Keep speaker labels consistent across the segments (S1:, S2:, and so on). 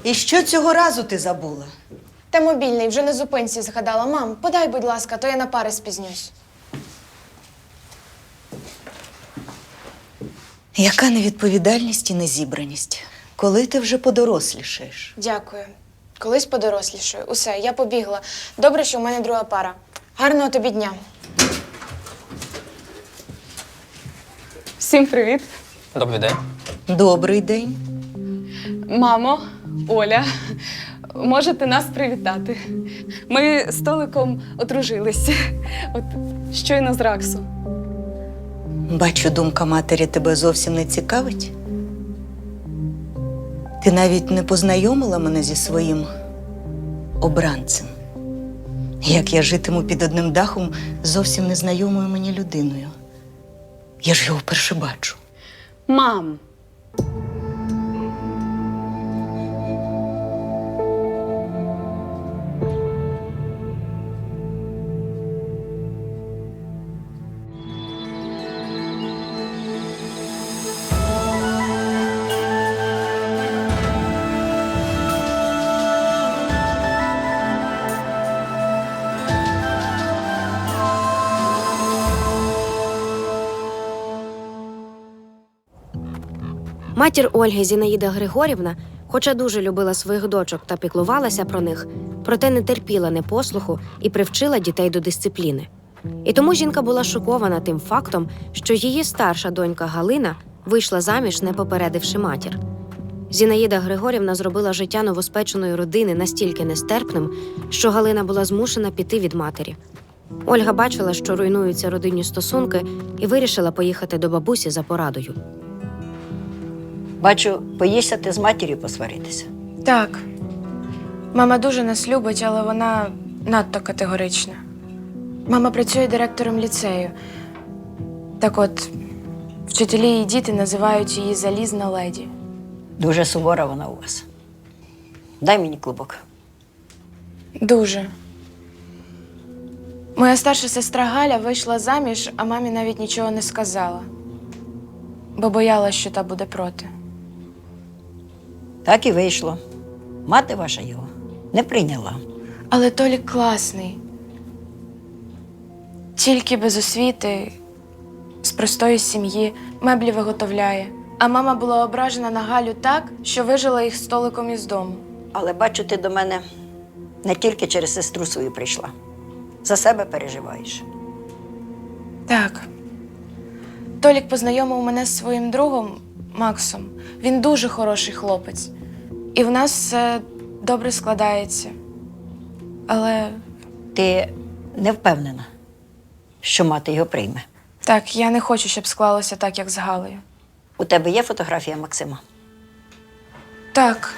S1: І що цього разу ти забула?
S2: Та мобільний, вже на зупинці згадала. Мам, подай, будь ласка, то я на пари спізнюсь.
S1: Яка невідповідальність і незібраність? Коли ти вже подорослішаєш?
S2: Дякую. Колись подорослішаю. Усе, я побігла. Добре, що в мене друга пара. Гарного тобі дня. Всім привіт.
S3: Добрий день.
S1: Добрий день.
S4: Мамо, Оля, можете нас привітати. Ми з Толиком одружилися. От щойно з РАКСу.
S1: Бачу, думка матері тебе зовсім не цікавить. Ти навіть не познайомила мене зі своїм обранцем. Як я житиму під одним дахом з зовсім незнайомою мені людиною. Я ж його вперше бачу.
S4: Мам,
S5: Матір Ольги Зінаїда Григорівна, хоча дуже любила своїх дочок та піклувалася про них, проте не терпіла непослуху і привчила дітей до дисципліни. І тому жінка була шокована тим фактом, що її старша донька Галина вийшла заміж, не попередивши матір. Зінаїда Григорівна зробила життя новоспеченої родини настільки нестерпним, що Галина була змушена піти від матері. Ольга бачила, що руйнуються родинні стосунки, і вирішила поїхати до бабусі за порадою.
S6: Бачу, боїшся ти з матір'ю посваритися.
S2: Так. Мама дуже нас любить, але вона надто категорична. Мама працює директором ліцею. Так от, вчителі і діти називають її залізна леді.
S6: Дуже сувора вона у вас. Дай мені клубок.
S2: Дуже. Моя старша сестра Галя вийшла заміж, а мамі навіть нічого не сказала. Бо боялась, що та буде проти.
S6: Так і вийшло. Мати ваша його не прийняла.
S2: Але Толік класний. Тільки без освіти, з простої сім'ї, меблі виготовляє. А мама була ображена на Галю так, що вижила їх з Толиком із дому.
S6: Але бачу, ти до мене не тільки через сестру свою прийшла. За себе переживаєш.
S2: Так. Толік познайомив мене з своїм другом Максом. Він дуже хороший хлопець. І в нас все добре складається. Але
S6: Ти не впевнена, що мати його прийме.
S2: так, я не хочу, щоб склалося так, як з Галею.
S6: У тебе є фотографія Максима?
S2: Так.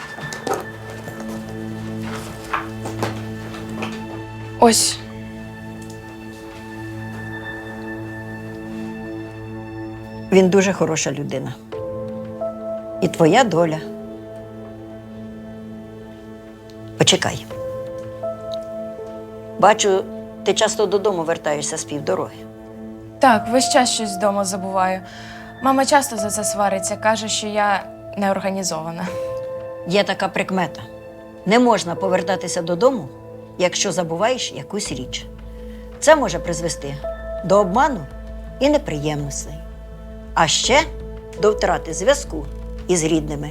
S2: Ось.
S6: Він дуже хороша людина. І твоя доля. Почекай. Бачу, ти часто додому вертаєшся з півдороги.
S2: Так, весь час щось вдома забуваю. Мама часто за це свариться, каже, що я неорганізована.
S6: Є така прикмета. Не можна повертатися додому, якщо забуваєш якусь річ. Це може призвести до обману і неприємностей. А ще до втрати зв'язку із рідними.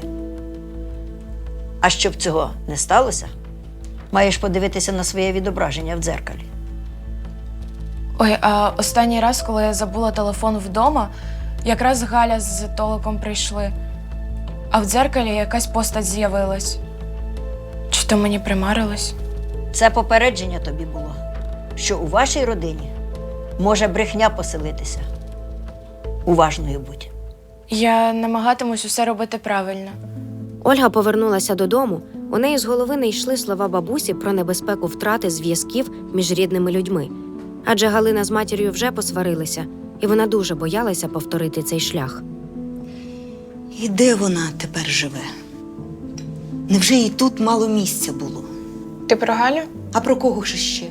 S6: А щоб цього не сталося, маєш подивитися на своє відображення в дзеркалі.
S2: Ой, а останній раз, коли я забула телефон вдома, якраз Галя з Толиком прийшли. А в дзеркалі якась постать з'явилась. Чи то мені примарилось?
S6: Це попередження тобі було, що у вашій родині може брехня поселитися. Уважною будь.
S2: Я намагатимусь усе робити правильно.
S5: Ольга повернулася додому. У неї з голови не йшли слова бабусі про небезпеку втрати зв'язків між рідними людьми. Адже Галина з матір'ю вже посварилися, і вона дуже боялася повторити цей шлях.
S1: І де вона тепер живе? Невже їй тут мало місця було?
S2: Ти про Галю?
S1: А про кого ж ще?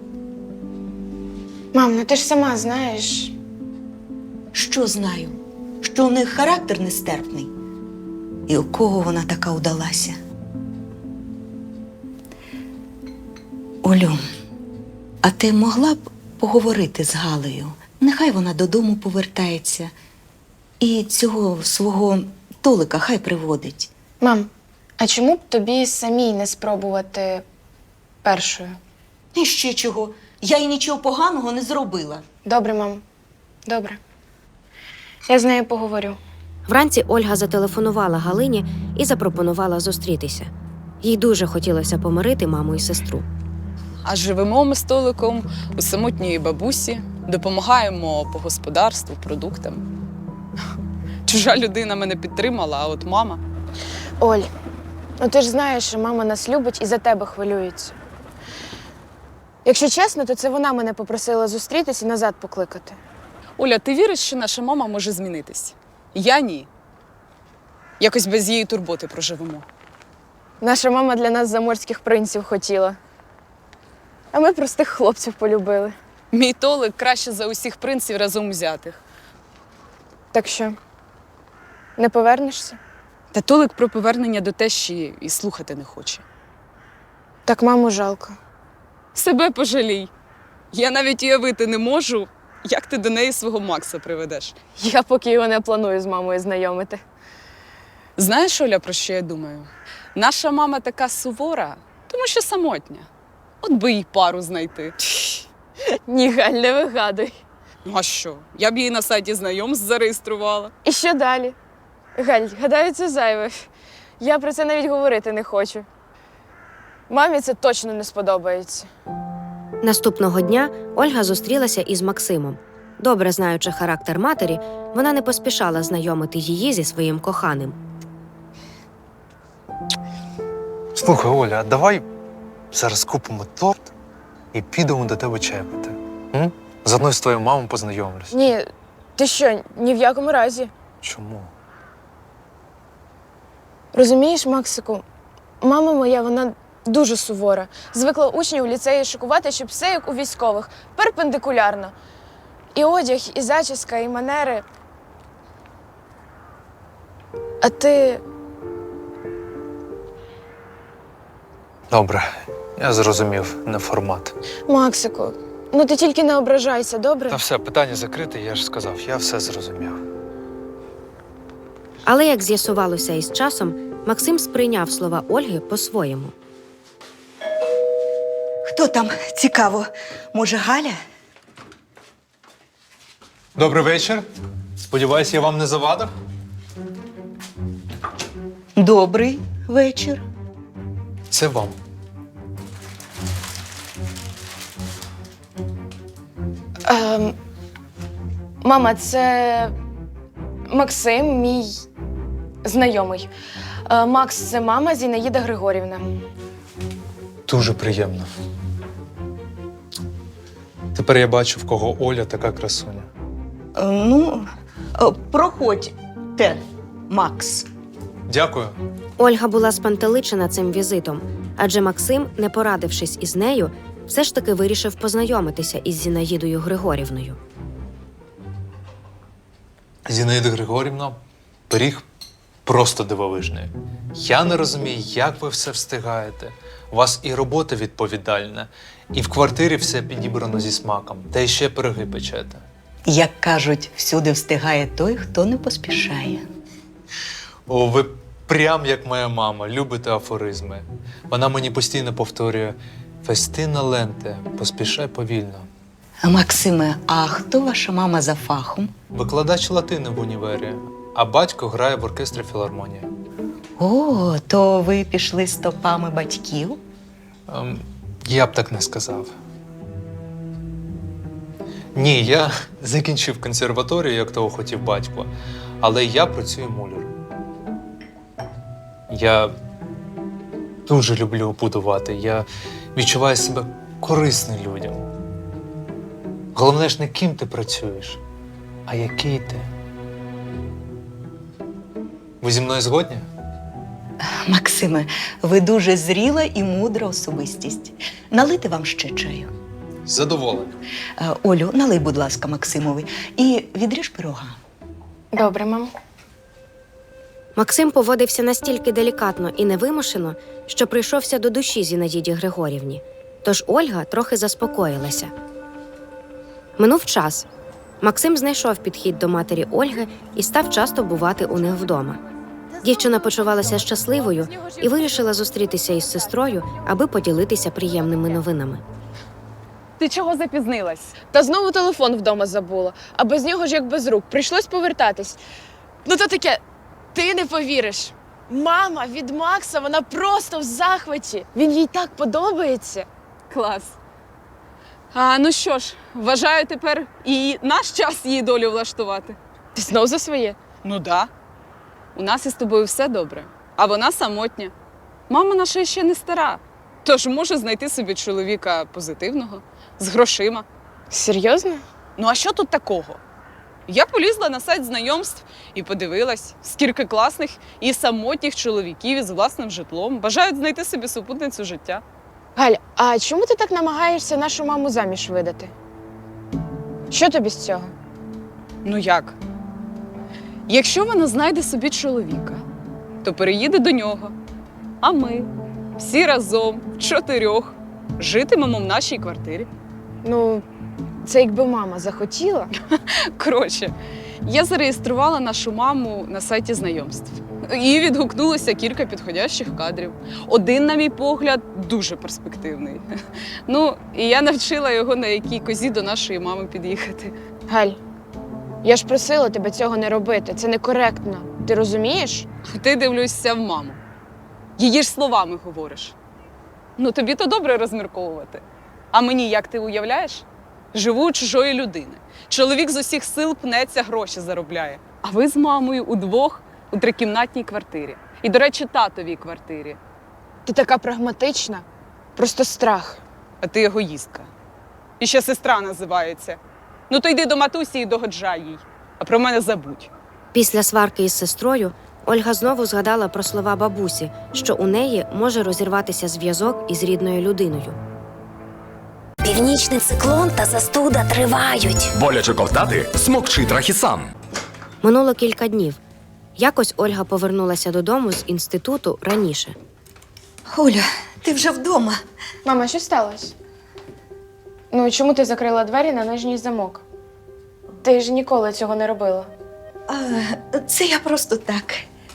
S2: Мам, ну ти ж сама знаєш.
S1: Що знаю? Що у них характер нестерпний? І у кого вона така удалася? Олю, а ти могла б поговорити з Галею? Нехай вона додому повертається. І цього свого Толика хай приводить.
S2: Мам, а чому б тобі самій не спробувати першою?
S1: І ще чого? Я їй нічого поганого не зробила.
S2: Добре, мам. Добре. Я з нею поговорю.
S5: Вранці Ольга зателефонувала Галині і запропонувала зустрітися. Їй дуже хотілося помирити маму і сестру.
S4: А живемо ми з Толиком у самотньої бабусі, допомагаємо по господарству, продуктам. Чужа людина мене підтримала, а от мама.
S2: Оль, ну ти ж знаєш, що мама нас любить і за тебе хвилюється. Якщо чесно, то це вона мене попросила зустрітись і назад покликати.
S4: Оля, ти віриш, що наша мама може змінитись? Я ні. Якось без її турботи проживемо.
S2: Наша мама для нас заморських принців хотіла. А ми простих хлопців полюбили.
S4: Мій Толик краще за усіх принців разом взятих.
S2: Так що, не повернешся?
S4: Та Толик про повернення до тещі і слухати не хоче.
S2: Так маму жалко.
S4: Себе пожалій. Я навіть уявити не можу, як ти до неї свого Макса приведеш.
S2: Я поки його не планую з мамою знайомити.
S4: Знаєш, Оля, про що я думаю? Наша мама така сувора, тому що самотня. От би їй пару знайти.
S2: Ні, Галь, не вигадуй.
S4: Ну а що? Я б її на сайті знайомств зареєструвала.
S2: І що далі? Галь, гадаю, це зайве. Я про це навіть говорити не хочу. Мамі це точно не сподобається.
S5: Наступного дня Ольга зустрілася із Максимом. Добре знаючи характер матері, вона не поспішала знайомити її зі своїм коханим.
S3: Слухай, Оля, а давай зараз купимо торт і підемо до тебе чай пити. М? Заодно з твоєю мамою познайомлюсь.
S2: Ні, ти що, ні в якому разі.
S3: Чому?
S2: Розумієш, Максику, мама моя, вона дуже сувора. Звикла учнів у ліцеї шокувати, щоб все як у військових, перпендикулярно. І одяг, і зачіска, і манери. А ти...
S3: Добре, я зрозумів, не формат.
S2: Максику, ну ти тільки не ображайся, добре?
S3: Та все, питання закрите, я ж сказав, я все зрозумів.
S5: Але, як з'ясувалося із часом, Максим сприйняв слова Ольги по-своєму.
S1: Хто там? Цікаво. Може, Галя?
S3: Добрий вечір. Сподіваюсь, я вам не завадив?
S1: Добрий вечір.
S3: Це вам.
S2: Мама, це Максим, мій знайомий. Макс, це мама Зінаїда Григорівна.
S3: Дуже приємно. Тепер я бачу, в кого Оля така красуня.
S1: Проходьте, Макс.
S3: Дякую.
S5: Ольга була спантеличена цим візитом, адже Максим, не порадившись із нею, все ж таки вирішив познайомитися із Зінаїдою Григорівною.
S3: Зінаїда Григорівна, пиріг просто дивовижний. Я не розумію, як ви все встигаєте. У вас і робота відповідальна, і в квартирі все підібрано зі смаком, та й ще пироги печете.
S1: Як кажуть, всюди встигає той, хто не поспішає.
S3: О, ви прям як моя мама, любите афоризми. Вона мені постійно повторює: «Фестина ленте, поспішай повільно».
S1: Максиме, а хто ваша мама за фахом?
S3: Викладач латини в універі, а батько грає в оркестрі філармонії.
S1: О, то ви пішли стопами батьків?
S3: Я б так не сказав. Ні, я закінчив консерваторію, як того хотів батько, але я працюю муляром. Я дуже люблю будувати, я відчуваю себе корисним людям. Головне ж не ким ти працюєш, а який ти. Ви зі мною згодні?
S1: Максиме, ви дуже зріла і мудра особистість. Налити вам ще чаю.
S3: Задоволений.
S1: Олю, налий, будь ласка, Максимові, і відріж пирога.
S2: Добре, мам.
S5: Максим поводився настільки делікатно і невимушено, що прийшовся до душі Зінаїді Григорівні. тож Ольга трохи заспокоїлася. Минув час. Максим знайшов підхід до матері Ольги і став часто бувати у них вдома. Дівчина почувалася щасливою і вирішила зустрітися із сестрою, аби поділитися приємними новинами.
S4: Ти чого запізнилась?
S2: Та знову телефон вдома забула, а без нього ж як без рук. Прийшлось повертатись. Ну то таке, ти не повіриш. Мама від Макса, вона просто в захваті. Він їй так подобається.
S4: Клас. А ну що ж, вважаю тепер і наш час її долю влаштувати.
S2: Ти знов за своє?
S4: Ну да. У нас із тобою все добре, а вона самотня. Мама наша ще не стара, тож може знайти собі чоловіка позитивного, з грошима.
S2: Серйозно?
S4: Ну а що тут такого? Я полізла на сайт знайомств і подивилась, скільки класних і самотніх чоловіків із власним житлом бажають знайти собі супутницю життя.
S2: Галь, а чому ти так намагаєшся нашу маму заміж видати? Що тобі з цього?
S4: Ну як? Якщо вона знайде собі чоловіка, то переїде до нього. А ми всі разом, вчотирьох, житимемо в нашій квартирі.
S2: Ну, це якби мама захотіла.
S4: Коротше, я зареєструвала нашу маму на сайті знайомств. І відгукнулося кілька підходящих кадрів. Один, на мій погляд, дуже перспективний. Ну, і я навчила його, на якій козі до нашої мами під'їхати.
S2: Галь, я ж просила тебе цього не робити. Це некоректно. Ти розумієш?
S4: Ти дивлюся в маму. Її ж словами говориш. Ну, тобі то добре розмірковувати. А мені, як ти уявляєш? Живу у чужої людини. Чоловік з усіх сил пнеться, гроші заробляє. А ви з мамою удвох у трикімнатній квартирі. І, до речі, татовій квартирі.
S2: Ти така прагматична. Просто страх.
S4: А ти егоїстка. І ще сестра називається. Ну то йди до матусі і догоджай їй. А про мене забудь.
S5: Після сварки із сестрою Ольга знову згадала про слова бабусі, що у неї може розірватися зв'язок із рідною людиною.
S7: Північний циклон та застуда тривають.
S8: Боляче ковтати? Смокчи Трахісан.
S5: Минуло кілька днів. Якось Ольга повернулася додому з інституту раніше.
S1: Оля, ти вже вдома.
S2: Мама, що сталося? Ну, чому ти закрила двері на нижній замок? Ти ж ніколи цього не робила.
S1: Це я просто так.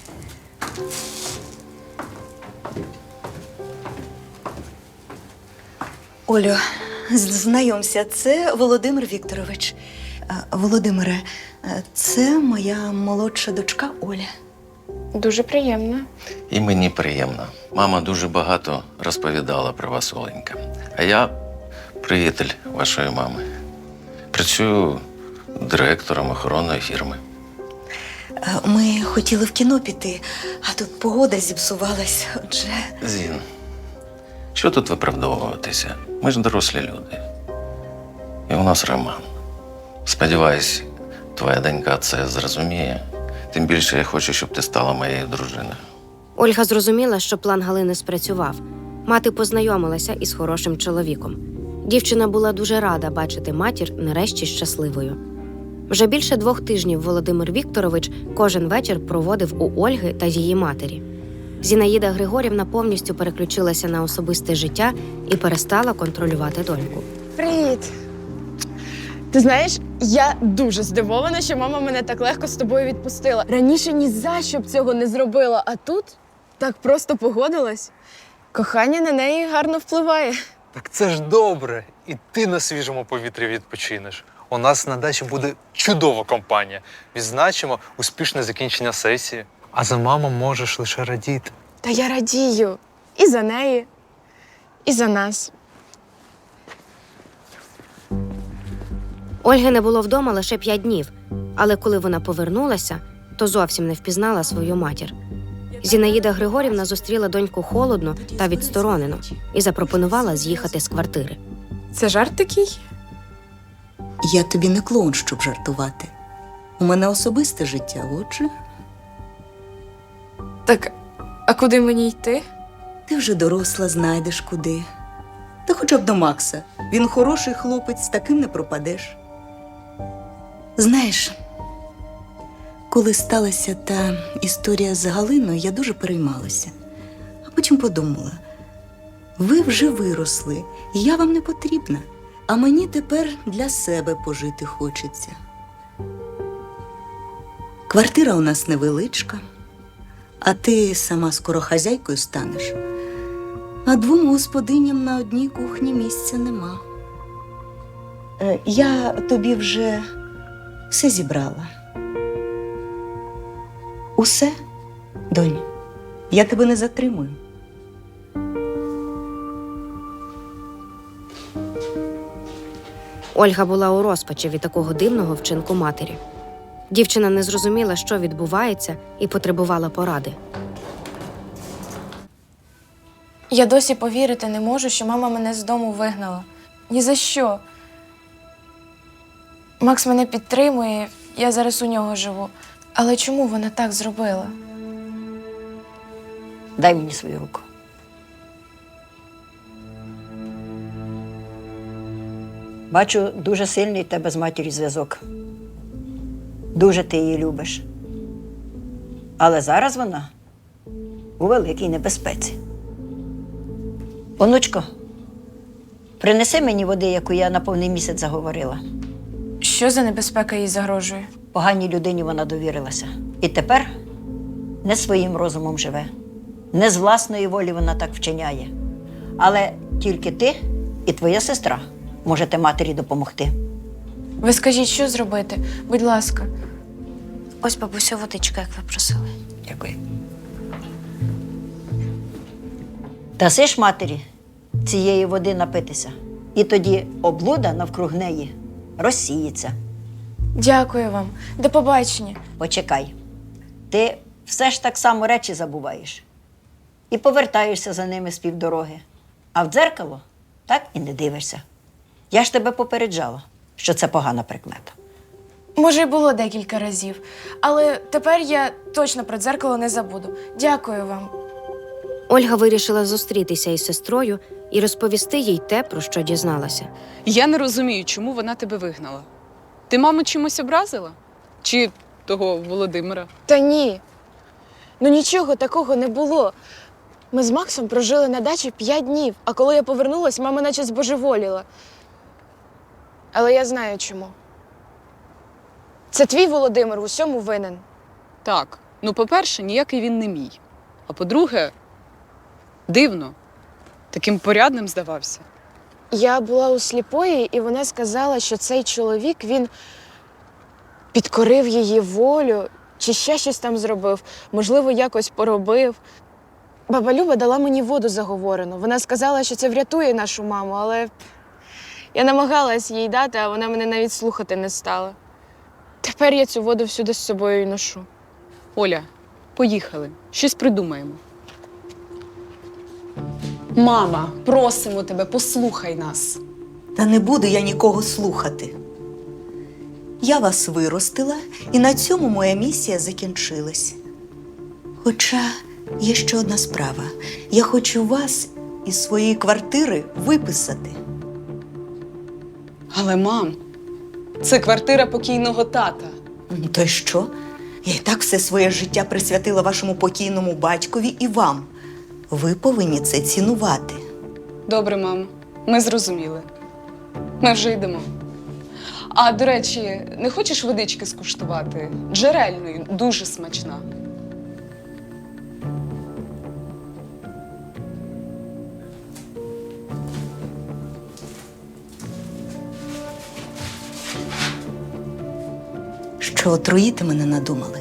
S1: Олю, знайомся, це Володимир Вікторович. Володимире, це моя молодша дочка Оля.
S2: Дуже приємно.
S9: І мені приємно. Мама дуже багато розповідала про вас, Оленька. А я приятель вашої мами. Працюю директором охоронної фірми.
S1: Ми хотіли в кіно піти, а тут погода зіпсувалась, отже.
S9: Зін, що тут виправдовуватися? Ми ж дорослі люди. І у нас роман. Сподіваюсь, твоя донька це зрозуміє. Тим більше я хочу, щоб ти стала моєю дружиною.
S5: Ольга зрозуміла, що план Галини спрацював. Мати познайомилася із хорошим чоловіком. Дівчина була дуже рада бачити матір нарешті щасливою. Вже більше 2 тижнів Володимир Вікторович кожен вечір проводив у Ольги та її матері. Зінаїда Григорівна повністю переключилася на особисте життя і перестала контролювати доньку.
S2: Привіт! Ти знаєш, я дуже здивована, що мама мене так легко з тобою відпустила. Раніше ні за що б цього не зробила, а тут так просто погодилась. Кохання на неї гарно впливає.
S3: Так це ж добре. І ти на свіжому повітрі відпочинеш. У нас на дачі буде чудова компанія. Відзначимо успішне закінчення сесії. А за маму можеш лише радіти.
S2: Та я радію. І за неї, і за нас.
S5: Ольги не було вдома лише 5 днів, але коли вона повернулася, то зовсім не впізнала свою матір. Зінаїда Григорівна зустріла доньку холодно та відсторонено і запропонувала з'їхати з квартири.
S2: Це жарт такий?
S1: Я тобі не клоун, щоб жартувати. У мене особисте життя, отже.
S2: Так, а куди мені йти?
S1: Ти вже доросла, знайдеш куди. Та хоча б до Макса. Він хороший хлопець, з таким не пропадеш. Знаєш, коли сталася та історія з Галиною, я дуже переймалася. А потім подумала, Ви вже виросли, і я вам не потрібна. А мені тепер для себе пожити хочеться. Квартира у нас невеличка, а ти сама скоро хазяйкою станеш. А двом господиням на одній кухні місця нема. Я тобі вже все зібрала. Усе, донь, я тебе не затримую.
S5: Ольга була у розпачі від такого дивного вчинку матері. Дівчина не зрозуміла, що відбувається, і потребувала поради.
S2: Я досі повірити не можу, що мама мене з дому вигнала. Ні за що. Макс мене підтримує, я зараз у нього живу. Але чому вона так зробила?
S6: Дай мені свою руку. Бачу, дуже сильний в тебе з матір'ю зв'язок. Дуже ти її любиш. Але зараз вона у великій небезпеці. Онучко, принеси мені води, яку я на повний місяць заговорила.
S2: Що за небезпека їй загрожує?
S6: Поганій людині вона довірилася. І тепер не своїм розумом живе. Не з власної волі вона так вчиняє. Але тільки ти і твоя сестра можете матері допомогти.
S2: Ви скажіть, що зробити? Будь ласка.
S5: Ось, бабусю, водичка, як ви просили.
S6: Дякую. Даси ж матері цієї води напитися. І тоді облуда навкруг неї розсіється.
S2: Дякую вам. До побачення.
S6: Почекай. Ти все ж так само речі забуваєш. І повертаєшся за ними з півдороги. А в дзеркало так і не дивишся. Я ж тебе попереджала, що це погана прикмета.
S2: Може, й було декілька разів. Але тепер я точно про дзеркало не забуду. Дякую вам.
S5: Ольга вирішила зустрітися із сестрою і розповісти їй те, про що дізналася.
S4: Я не розумію, чому вона тебе вигнала. Ти маму чимось образила? Чи того Володимира?
S2: Та ні. Ну нічого такого не було. Ми з Максом прожили на дачі 5 днів, а коли я повернулась, мама наче збожеволіла. Але я знаю чому. Це твій Володимир в усьому винен.
S4: Так. Ну, по-перше, ніякий він не мій. А по-друге, дивно. Таким порядним здавався.
S2: Я була у сліпої, і вона сказала, що цей чоловік, він підкорив її волю, чи ще щось там зробив, можливо, якось поробив. Баба Люба дала мені воду заговорену. Вона сказала, що це врятує нашу маму, але я намагалась їй дати, а вона мене навіть слухати не стала. Тепер я цю воду всюди з собою й ношу.
S4: Оля, поїхали. Щось придумаємо. Мама, просимо тебе, послухай нас.
S1: Та не буду я нікого слухати. Я вас виростила, і на цьому моя місія закінчилась. Хоча є ще одна справа. Я хочу вас із своєї квартири виписати.
S4: Але, мам, це квартира покійного тата.
S1: Ну, то й що? Я і так все своє життя присвятила вашому покійному батькові і вам. Ви повинні це цінувати.
S4: Добре, мам, ми зрозуміли. Ми вже йдемо. А, до речі, не хочеш водички скуштувати? Джерельної, дуже смачна.
S1: Що отруїти мене надумали?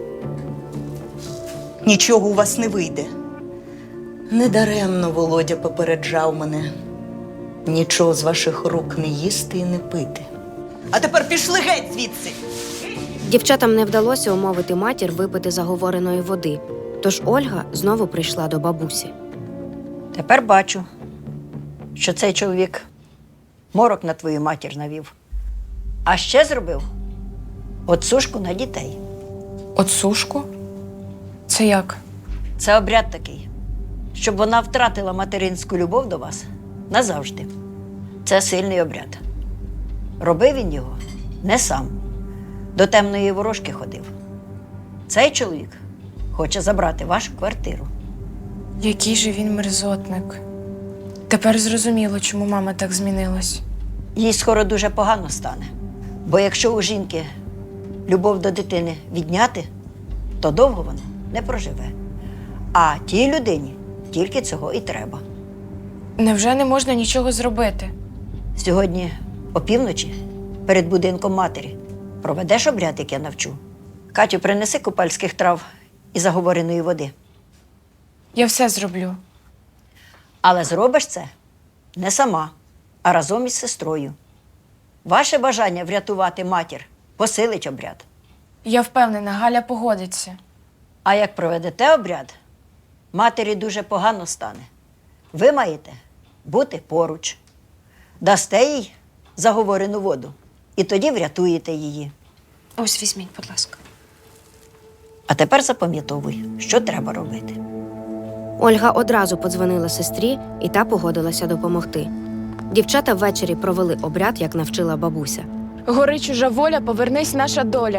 S1: Нічого у вас не вийде. Недаремно Володя попереджав мене. Нічого з ваших рук не їсти і не пити. А тепер пішли геть звідси!
S5: Дівчатам не вдалося умовити матір випити заговореної води, тож Ольга знову прийшла до бабусі.
S6: Тепер бачу, що цей чоловік морок на твою матір навів. А ще зробив отсушку на дітей.
S2: Отсушку? Це як?
S6: Це обряд такий, щоб вона втратила материнську любов до вас назавжди. Це сильний обряд. Робив він його не сам. До темної ворожки ходив. Цей чоловік хоче забрати вашу квартиру.
S2: Який же він мерзотник. Тепер зрозуміло, чому мама так змінилась.
S6: Їй скоро дуже погано стане. Бо якщо у жінки любов до дитини відняти, то довго вона не проживе. А тій людині тільки цього і треба.
S2: Невже не можна нічого зробити?
S6: Сьогодні опівночі перед будинком матері проведеш обряд, як я навчу. Катю, принеси купальських трав і заговореної води.
S2: Я все зроблю.
S6: Але зробиш це не сама, а разом із сестрою. Ваше бажання врятувати матір посилить обряд.
S2: Я впевнена, Галя погодиться.
S6: А як проведете обряд, матері дуже погано стане. Ви маєте бути поруч. Дасте їй заговорену воду, і тоді врятуєте її.
S5: Ось візьміть, будь ласка.
S6: А тепер запам'ятовуй, що треба робити.
S5: Ольга одразу подзвонила сестрі, і та погодилася допомогти. Дівчата ввечері провели обряд, як навчила бабуся.
S2: Гори чужа воля, повернись наша доля.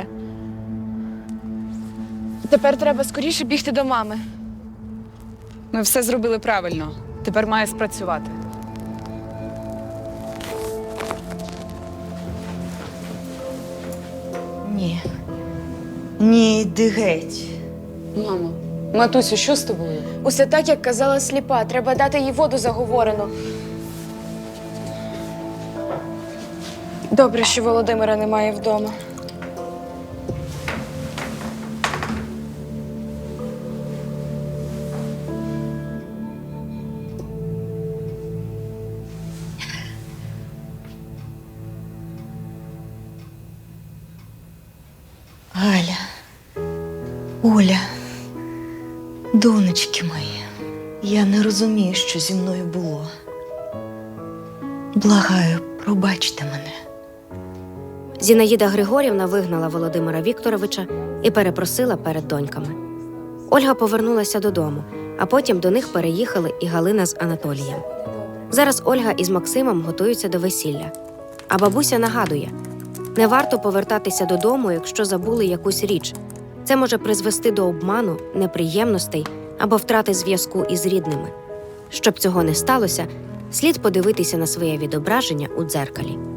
S2: Тепер треба скоріше бігти до мами.
S4: Ми все зробили правильно. Тепер має спрацювати.
S1: Ні. Ні, йди геть.
S4: Мамо, матусю, що з тобою?
S2: Усе так, як казала сліпа. Треба дати їй воду заговорену. Добре, що Володимира немає вдома.
S1: Галя, Оля, донечки мої, я не розумію, що зі мною було. Благаю, пробачте мене.
S5: Зінаїда Григорівна вигнала Володимира Вікторовича і перепросила перед доньками. Ольга повернулася додому, а потім до них переїхали і Галина з Анатолієм. Зараз Ольга із Максимом готуються до весілля. А бабуся нагадує, не варто повертатися додому, якщо забули якусь річ. Це може призвести до обману, неприємностей або втрати зв'язку із рідними. Щоб цього не сталося, слід подивитися на своє відображення у дзеркалі.